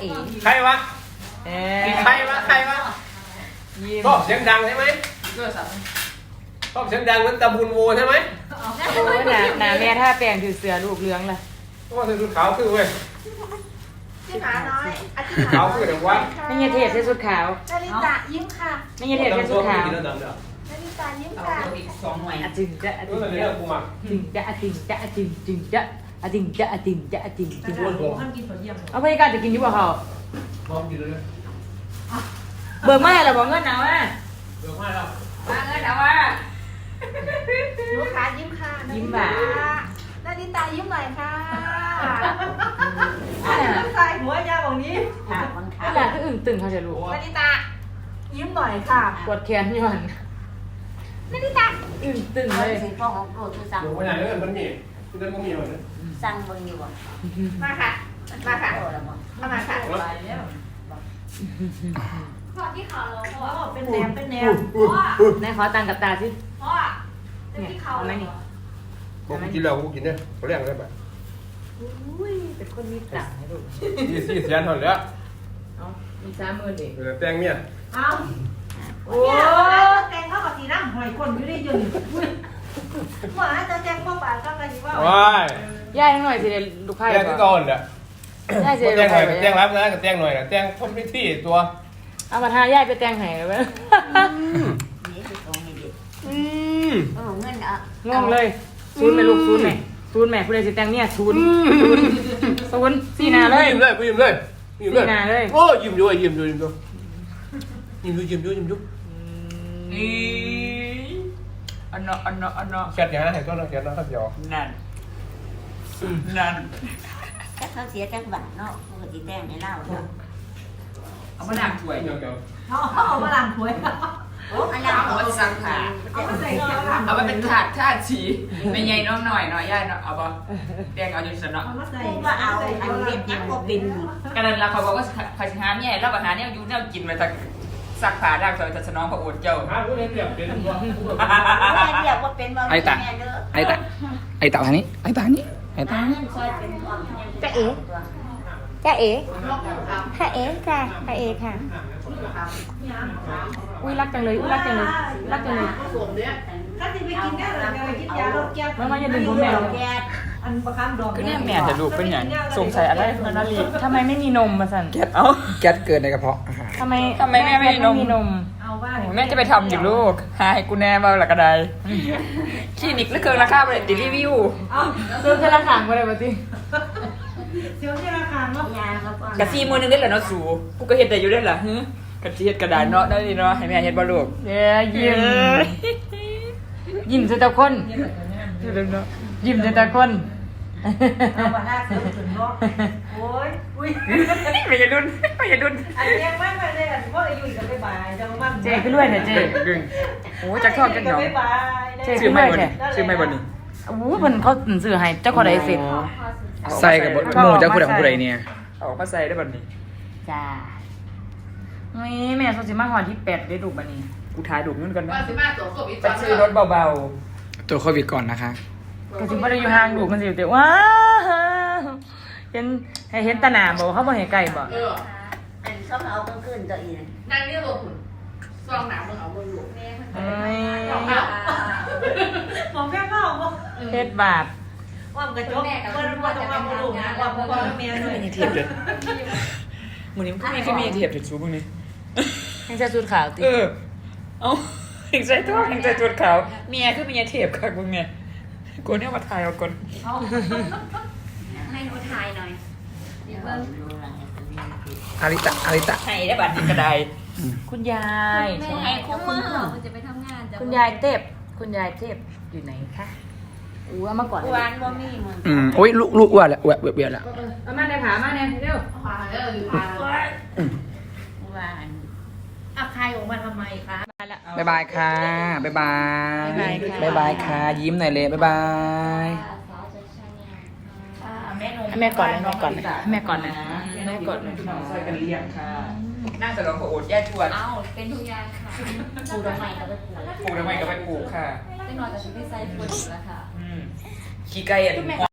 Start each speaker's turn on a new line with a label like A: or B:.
A: เอ๋
B: ใครวะใครวะชอบเสียงดังใช่ไหมชอบเสียงดังเหมือนตะบุญโวใช่ไหม
A: โอ้ยหนาแม่ท่าแปลงถือเสือลูกเลี้ยงล่ะ
B: ก็คือชุดขาวคือเว้ย
C: ที่หมาน้อยอาทิตย์
B: ขาวคือเดี๋ยววะ
A: ไม่ใช่เทศใส่ชุดขาว
C: นาริตะยิ้มค่ะ
A: ไม่ใช่เทศใส่ชุดขาว
B: กินแล้วดำเด้อ
C: นาริตะยิ้ม
D: เอา
C: ค่ะ
D: อีก2หน่วย
A: อะจึงจะอะ
B: เอ
A: จึ
B: อง เดี๋
A: จะ
B: ยวกูมา
A: จึงจะอะจึงจะอะจึงจึงจะอะจึงจะอะจึงจะอะจึงจึง
B: อ้วนผม
A: เอาพยากาศจะกินอยู่บ่เขา
B: พร้อมกินเลย
A: เบิกมาแล้วบอกเงินเอาอ่ะ
B: เดี๋ยวมาแล้ว
A: มาเงินเอาอ่ะ
C: หนูขายิ้มค่ะนาริตะยิ้มหน่อยค่ะใส่หัวยาวแบบนี้
D: ค่ะมันค่ะ
A: นี่แหละคืออึ่งตึงเขาจะรู้
C: นาริตะยิ้มหน่อยค่ะ
A: ปวดแขนย้อน
C: นาริตะ
A: อึ่งตึง
D: เอา
A: เลย
D: สิพ่อของโปรดคือสั่ง
B: เดี๋ยวไปไหนเรื่องมันมีเรื่องมันมีอะไร
D: สั่งเบิ่งอยู่บ่
C: มาค่ะมาค่ะ
D: โอ้แล้วบ่
C: มาค่ะ
E: พอที่เขาเราพ่อ
C: เป็นแนวเป็นแนว
A: นายขอตังค์กับตาสิ
E: พ่อจะที่เขา
A: เอาไหมนี่
B: กูกินแล้วกูกินเนี่ยเขาเรียกอะไรแบบ
A: อุ้ยเป็นคนมีตังค์ให้ลูก
B: สี่แสนเท่านั้นแหละ
A: เอามี30,000เอง
B: เดี๋ยวแต่งเนี่ย
C: เอา
A: โอ้
C: เนี่ยแตงเข้ากับสีน้ำหอยคนอยู่ได้ยืนหมาจะแตงเข้าปากก็กันอยู่ว่า
B: ว้าย
A: ย่ายให้หน่อยสิเดี๋ยวลูกไพ่
B: แต่งก็ก่อนแหละ
A: ย่ายสิ
B: แต่
A: เดี๋ยว
B: ง
A: ลูก
B: หน่
A: ไพ่
B: อยแต่งรับนะแต่งหน่อยแต่งคนพิธีตัว
A: เอามาทาย่ายไปแต่งให้เลยเว้ย
D: นี่คือตรงนี้ดิ
B: อืม
D: เงินอ่ะ
A: งงเลยศูนย์แม่ลูกศูนย์แม่ศูนย์แม่ผู้ใดสิแต่งเนี่ยศูนย์สี่หนาเลย
B: ยิ้มเลยยิ้มเลยยิ้มเลย
A: สี่หน้าเลย
B: โอ้ยิ้มด้วยยิ้มด้วยยิ้มด้วยยิ้มด้วยยิ้มด้วยยิ้มด้วย
A: นี่อันเนาะอันเนาะอันเนาะ
B: แคทอย่างนั้นเห็นก็น้องแคทนะครับเดี๋ยว
A: นั่นนั่น
D: แค่เขาเสียจังหวัดเนาะปกติแต่งให้เล่าเนาะ
A: เอามาดังถ้วย
B: เดี๋ยว
C: เอามาล้างถ้วย
D: โอ้อันนั้นเอาไปสั่งค่ะ
C: เอามาใส่กระลัง
F: เอาไปเป็นถาดชาติสีไม่ใหญ่น้องหน่อยย่ายเนาะเอาปะแดงเอาอยู่สนเนาะ
C: เอามาใส่
D: กูว่าเอาอันเฮ็ดยังบ่เป็น
F: กันนั้นเราเขาบอกว่าภาชนะเนี่ยเราอาหารเนี่ยอยู่เนี่ยกินไปจากสักผ้าด่างซอยจะสนองพระโอษฐ์เจ้า
B: หาผู้เล่นเปรียบเป็นตัว
D: เรียกว่าเป็นบ่แม่เด้อ
G: ไอ้ตาทางนี้ไอ้ตานี้ไอ้ตา
D: เงินซอยเป็นความ
A: จ้าเอ๋จ้าเอ๋ค่ะเอ๋ค่ะค่ะเอ๋ค่ะอุ้ยรักจังเลยอุ้ยรักจังเลยรักจังเลย
C: ถ้าจะไปกินได้หรือจะไปกินยาลดแก้
A: มาอย่าดึงผมแม่
D: แก
C: อันประคันดอก
F: ก็เนี่ยแม่จะลูกเป็นอย่างสงสัยอะไรนานาลี
A: ทำไมไม่มีนมมาสั่น
F: เอ้า
G: แก๊สเกินในกระเพาะอาหาร
A: ทำไม
F: ทำไมแม่ไม่มีนม
A: นม
C: เอาว่า
F: แม่จะไปทำอยู่ลูกหาให้กูแน่มาหลักกระไดคลินิกหรือเกินราคาไปเลยติรีวิว
C: เอา
A: ซื้อแค่ละถังมาเลยมาสิ
C: เสียวที่ราคาเนาะ
D: ยาเขาก็
F: กะซีมือนึงได้เหรอเนาะสูกูก็เห็นแต่อยู่ได้เหรอฮึกะซีเห็ดกระดานเนาะได้ดีเนาะให้แม่เห็ดบ่ลูก
A: เดี๋ยวยิ้มยิ้มใส่ตาคนยิ้มใส่ตาคน
C: เอามาล่าสุดถึงเนาะโอ้ยอุ้ย
F: ไม่อย่าดุนไม่อย่าดุน
C: อันนี้ไม่ไปเลยอันว่าอายุอีกก็ไปบายจังมัน
A: เจ๊ขึ้นด้วยเถอะเจ๊
F: ดึงโอ้จักทอดจักหยอง
C: ไปบาย
F: ชื่อไม่บนชื่อไม่บนนี่
A: โอ้โหเพิ่นเขาซื้อให้เจ้าของไดเสร็จ
G: ใส่กับบหมูจะพูดของผู้ใดเนี่ย
F: เอาออกมาใส่ได้บัดนี้
A: จ้านี่แม่โซสิมาหอที่8ได้ดูบัดนี้
F: กูถ่ายดูเงินกันนะ
E: ว่าสิมาตัวโควิด
F: ไปซื้อรถเบา
G: ตัวโควิดก่อนนะคะ
A: ก็สิบ่ได้อยู่ห่างดูมันสิแต่ว้าเห็นให้เห็นตาหน้าบ่เขาบ่ให้ใกล้บ่
E: เออ
D: อันเขาเอากลางคืนตัวอีก
E: นั่งนี่ลงหุ่นซองหนามึงเอาบนหลวงแม่
A: เอ้ย
C: หมอแม่ก็เอา
A: เฮ็ดบาป
C: ว่ากระจกเปิ้ลว่าต้องมาบุรุษนะว่าพ่อแม่ด้วย
F: ๆมีเทียบเลยมึงนี่มึงก็มีเทียบถึงซูมึงนี่
A: ให้ใส่ชุดขาวติ
F: เออเอาเห็นใจทอดเห็นใจจุดขาวเมียคือเมียเทียบค่ะมึงเนี่ยกูเนี่ยมาถ่ายเอาก่อน
E: ให้หนูถ่ายหน่อยเดี๋ยวเบิ่ง
G: อาริตะ
F: ให้ได้บัตรกระได
A: คุณยาย
E: แม่ให้คุ้มมือมันจะไปทำงาน
A: คุณยายเทพคุณยายเทพอยู่ไหนคะอู้เอามาก่อน
D: หวานบ่มีมึง
G: โอ้ยลูกอ้วนแล้วอ้วนเบียดแล้ว
A: เอามาในผามาในเร็ว
E: ขวาเออขวา
D: หวาน
C: อ่ะใครออกมาทำไมคะ
G: บ๊ายบายค่ะบ๊ายบายบ๊ายบายค่ะยิ้มหน่อยเลยบ๊ายบาย
A: แม่ก่อนเลยแม่ก่อนเลยแม่ก่อนนะแม่ก่อนเลย
F: น้องซอยกันเลี้ยงค่ะน่าจะลองขอโอดแย่ชวน
E: เอาเป็นทุกอย่างค่ะ
D: ปูดอกไม้ก็ไปปลูก
F: ปลูกทำไมก็ไปปลูกค่ะ
E: เป็นนอนแต่ชุดที่ใส่ฝุ่นแล้วค่ะ
F: ขี้ไก่อ่ะ